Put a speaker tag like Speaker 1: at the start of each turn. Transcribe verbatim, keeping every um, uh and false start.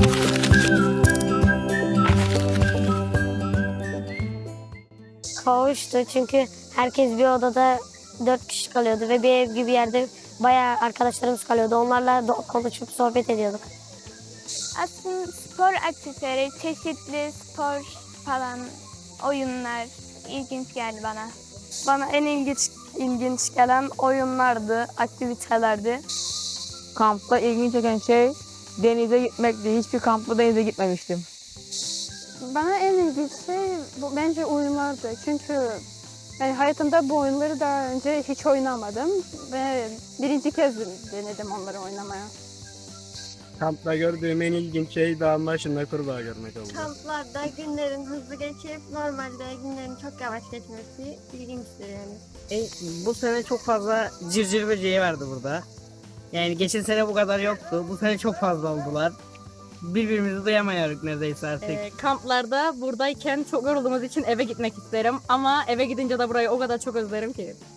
Speaker 1: Kavuştu çünkü herkes bir odada dört kişi kalıyordu ve bir ev gibi yerde bayağı arkadaşlarımız kalıyordu. Onlarla konuşup sohbet ediyorduk.
Speaker 2: Aslında spor aktiviteleri, çeşitli spor falan, oyunlar ilginç geldi bana.
Speaker 3: Bana en ilginç ilginç gelen oyunlardı, aktivitelerdi.
Speaker 4: Kampta ilginç çeken şey denize gitmekti. Hiçbir kampta denize gitmemiştim.
Speaker 5: Bana en ilginç şey bu, bence oyunlardı. Çünkü ben hayatımda bu oyunları daha önce hiç oynamadım ve birinci kez denedim onları oynamaya.
Speaker 6: Kampta gördüğüm en ilginç şey dağın başında kurbağa görmek oldu.
Speaker 7: Kamplarda günlerin hızlı geçip normalde günlerin çok yavaş geçmesi ilginçtir yani.
Speaker 8: E, bu sene çok fazla cırcır böceği vardı burada. Yani geçen sene bu kadar yoktu. Bu sene çok fazla oldular. Birbirimizi duyamıyoruz neredeyse artık.
Speaker 9: E, kamplarda buradayken çok yorulduğumuz için eve gitmek isterim. Ama eve gidince de burayı o kadar çok özlerim ki.